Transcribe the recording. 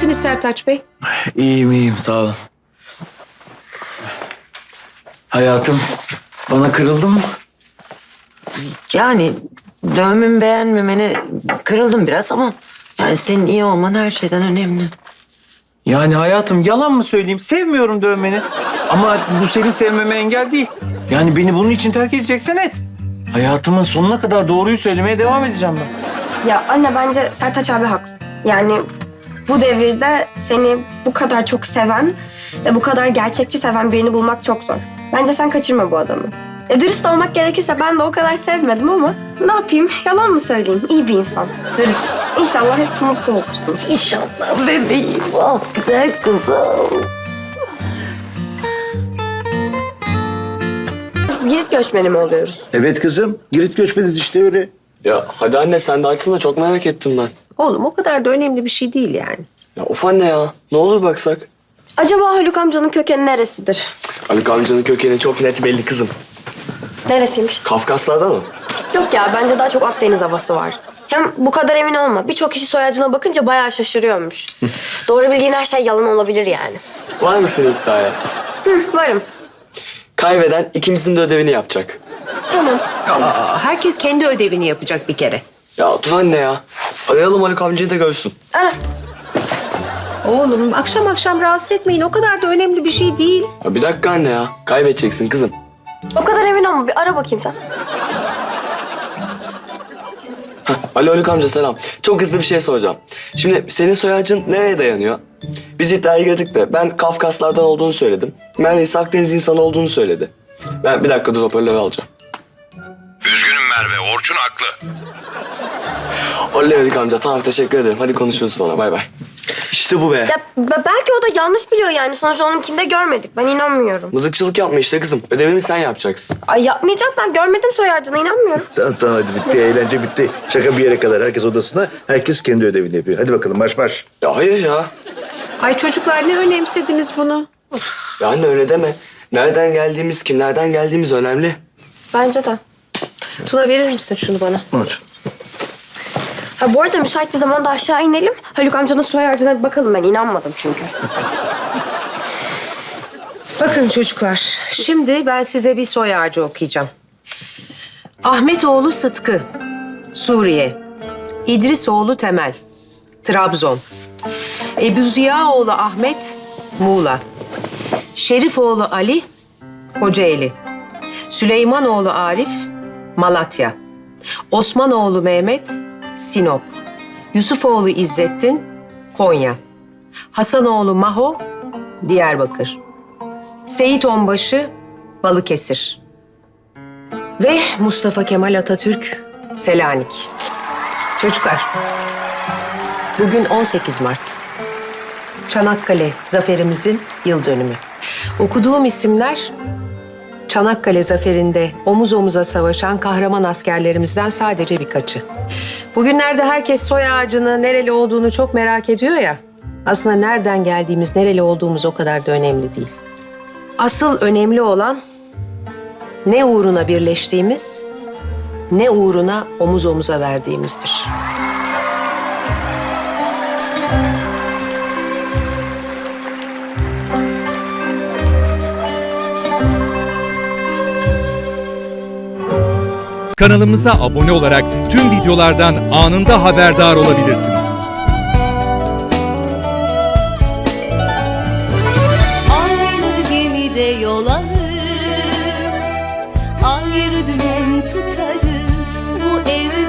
Nasılsınız Sertaç Bey? İyiyim sağ olun. Hayatım bana kırıldın mı? Yani dövmemi beğenmemene kırıldım biraz ama yani senin iyi olman her şeyden önemli. Yani hayatım yalan mı söyleyeyim? Sevmiyorum dövmeni. Ama bu seni sevmeme engel değil. Yani beni bunun için terk edeceksen et. Hayatımın sonuna kadar doğruyu söylemeye devam edeceğim ben. Ya anne bence Sertaç abi haklı. Yani bu devirde seni bu kadar çok seven ve bu kadar gerçekçi seven birini bulmak çok zor. Bence sen kaçırma bu adamı. Dürüst olmak gerekirse ben de o kadar sevmedim ama ne yapayım? Yalan mı söyleyeyim? İyi bir insan. Dürüst. İnşallah hep mutlu olursunuz. İnşallah bebeğim. Ah güzel kızım. Girit göçmeni mi oluyoruz? Evet kızım. Girit göçmeniz işte öyle. Ya hadi anne sen de açsana çok merak ettim ben. Oğlum o kadar da önemli bir şey değil yani. Ya of anne ya ne olur baksak. Acaba Haluk amcanın kökeni neresidir? Haluk amcanın kökeni çok net belli kızım. Neresiymiş? Kafkaslardan mı? Yok ya bence daha çok Akdeniz havası var. Hem bu kadar emin olma. Birçok kişi soyacına bakınca bayağı şaşırıyormuş. Doğru bildiğin her şey yalan olabilir yani. Var mısın iddiaya? Varım. Kaybeden ikimizin de ödevini yapacak. Tamam. Herkes kendi ödevini yapacak bir kere. Ya dur anne ya. Arayalım Haluk amcayı da görsün. Ara. Oğlum akşam akşam rahatsız etmeyin. O kadar da önemli bir şey değil. Ya bir dakika anne ya. Kaybedeceksin kızım. O kadar emin olma. Bir ara bakayım sen. Alo Haluk amca selam. Çok hızlı bir şey soracağım. Şimdi senin soy ağacın nereye dayanıyor? Biz iddiaya girdik de ben Kafkaslardan olduğunu söyledim. Merve ise Akdeniz insanı olduğunu söyledi. Ben bir dakika dur hoparlörü alacağım. Üzgünüm Merve, Orçun haklı. Oley Haluk amca tamam teşekkür ederim. Hadi konuşuruz sonra bay bay. İşte bu be. Ya belki o da yanlış biliyor yani. Sonuçta onunkinde görmedik. Ben inanmıyorum. Mızıkçılık yapma işte kızım. Ödevimi sen yapacaksın. Ay yapmayacağım. Ben görmedim soy ağacını. İnanmıyorum. Tamam tamam hadi bitti. Eğlence bitti. Şaka bir yere kadar. Herkes odasına. Herkes kendi ödevini yapıyor. Hadi bakalım marş marş. Ya hayır ya. Ay çocuklar ne önemsediniz bunu? Ya anne öyle deme. Nereden geldiğimiz, kimlerden geldiğimiz önemli. Bence de. Tuna verir misin şunu bana? Unut. Ha bu arada müsait bir zamanda aşağı inelim. Haluk amcanın soy ağacına bir bakalım. Ben inanmadım çünkü. Bakın çocuklar, şimdi ben size bir soy ağacı okuyacağım. Ahmetoğlu Sıtkı, Suriye. İdrisoğlu Temel, Trabzon. Ebu Ziyaoğlu Ahmet, Muğla. Şerifoğlu Ali, Kocaeli. Süleymanoğlu Arif, Malatya. Osmanoğlu Mehmet, Sinop. Yusufoğlu İzzettin, Konya. Hasanoğlu Maho, Diyarbakır. Seyit Onbaşı, Balıkesir. Ve Mustafa Kemal Atatürk, Selanik. Çocuklar, bugün 18 Mart. Çanakkale zaferimizin yıl dönümü. Okuduğum isimler Çanakkale zaferinde omuz omuza savaşan kahraman askerlerimizden sadece birkaçı. Bugünlerde herkes soy ağacını, nereli olduğunu çok merak ediyor ya. Aslında nereden geldiğimiz, nereli olduğumuz o kadar da önemli değil. Asıl önemli olan ne uğruna birleştiğimiz, ne uğruna omuz omuza verdiğimizdir. Kanalımıza abone olarak tüm videolardan anında haberdar olabilirsiniz. Aynı gemide yol alır, ayrı dümen tutarız bu evde.